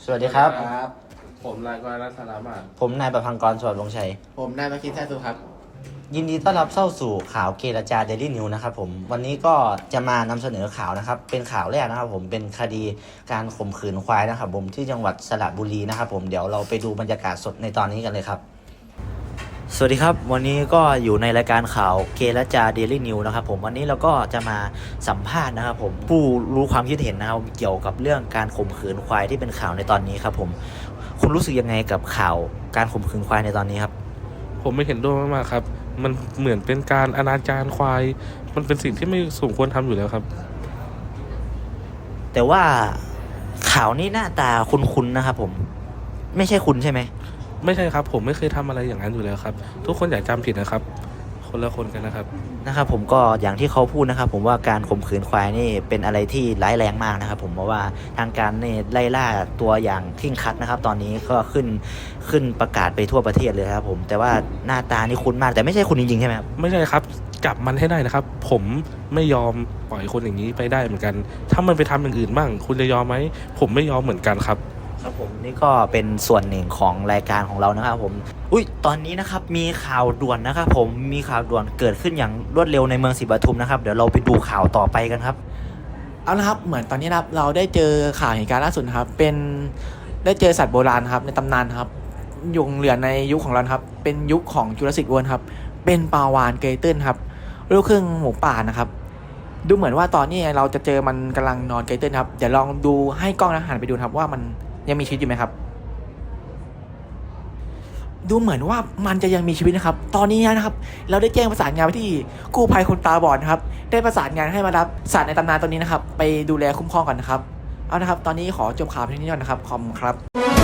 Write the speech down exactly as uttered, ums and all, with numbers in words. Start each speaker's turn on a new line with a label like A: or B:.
A: วัสดีครับ
B: ครับ
C: ผมนายกรณัฐสารมาศ
A: ผมนายประพังกรสวัสดิ์วงศ์ชัย
B: ผมนายมาคินแท้สุครับ
A: ยินดีต้อนรับเข้าสู่ข่าวเกรจาเดลี่นิวนะครับผมวันนี้ก็จะมานำเสนอข่าวนะครับเป็นข่าวแรกนะครับผมเป็นคดีการข่มขืนควายนะครับผมที่จังหวัดสระบุรีนะครับผมเดี๋ยวเราไปดูบรรยากาศสดในตอนนี้กันเลยครับสวัสดีครับวันนี้ก็อยู่ในรายการข่าวเกรจาเดลี่นิวนะครับผมวันนี้เราก็จะมาสัมภาษณ์นะครับผมผู้รู้ความคิดเห็นนะครับเกี่ยวกับเรื่องการข่มขืนควายที่เป็นข่าวในตอนนี้ครับผมคุณรู้สึกยังไงกับข่าวการข่มขืนควายในตอนนี้ครับ
C: ผมไม่เห็นด้วยมากๆครับมันเหมือนเป็นการอนาจารควายมันเป็นสิ่งที่ไม่สมควรทำอยู่แล้วครับ
A: แต่ว่าข่าวนี้หน้าตาคุ้นๆนะครับผมไม่ใช่คุณใช่ไหม
C: ไม่ใช่ครับผมไม่เคยทำอะไรอย่างนั้นอยู่แล้วครับทุกคนอย่าจำผิดนะครับคนละคนกันนะครับ
A: นะครับผมก็อย่างที่เขาพูดนะครับผมว่าการข่มขืนควายนี่เป็นอะไรที่ร้ายแรงมากนะครับผมเพราะว่าทางการนี่ไล่ล่าตัวอย่างเคร่งครัดนะครับตอนนี้ก็ขึ้นขึ้นประกาศไปทั่วประเทศเลยครับผมแต่ว่าหน้าตานี่คุ้นมากแต่ไม่ใช่คุณจริงๆใช่ไหมครับ
C: ไม่ใช่ครับจับมันให้ได้นะครับผมไม่ยอมปล่อยคนอย่างนี้ไปได้เหมือนกันถ้ามันไปทำอย่างอื่นบ้างคุณจะยอมไหมผมไม่ยอมเหมือนกันครับ
A: ครับผมนี่ก็เป็นส่วนหนึ่งของรายการของเรานะครับผมอุ้ยตอนนี้นะครับมีข่าวด่วนนะครับผมมีข่าวด่วนเกิดขึ้นอย่างรวดเร็วในเมืองศรีปทุมนะครับเดี๋ยวเราไปดูข่าวต่อไปกันครับ
B: เอาละครับเหมือนตอนนี้นะครับเราได้เจอข่าวเหตุการณ์ล่าสุดนะครับเป็นได้เจอสัตว์โบราณครับในตำนานครับยุงเหลือในยุคของเราครับเป็นยุคของจูราสสิกเวิลด์ครับเป็นปลาวาฬเกยตื้นครับลูกครึ่งหมูป่านะครับดูเหมือนว่าตอนนี้เราจะเจอมันกำลังนอนเกยตื้นครับเดี๋ยวลองดูให้กล้องนะหันไปดูครับว่ามันยังมีชีวิตอยู่ไหมครับดูเหมือนว่ามันจะยังมีชีวิตนะครับตอนนี้นะครับเราได้แจ้งประสานงานไปที่กู้ภัยคนตาบอดครับได้ประสานงานให้มารับสัตว์ในตำนานตัวนี้นะครับไปดูแลคุ้มครองก่อนนะครับเอานะครับตอนนี้ขอจบข่าวเพียงนี้ก่อนนะครับขอบคุณครับ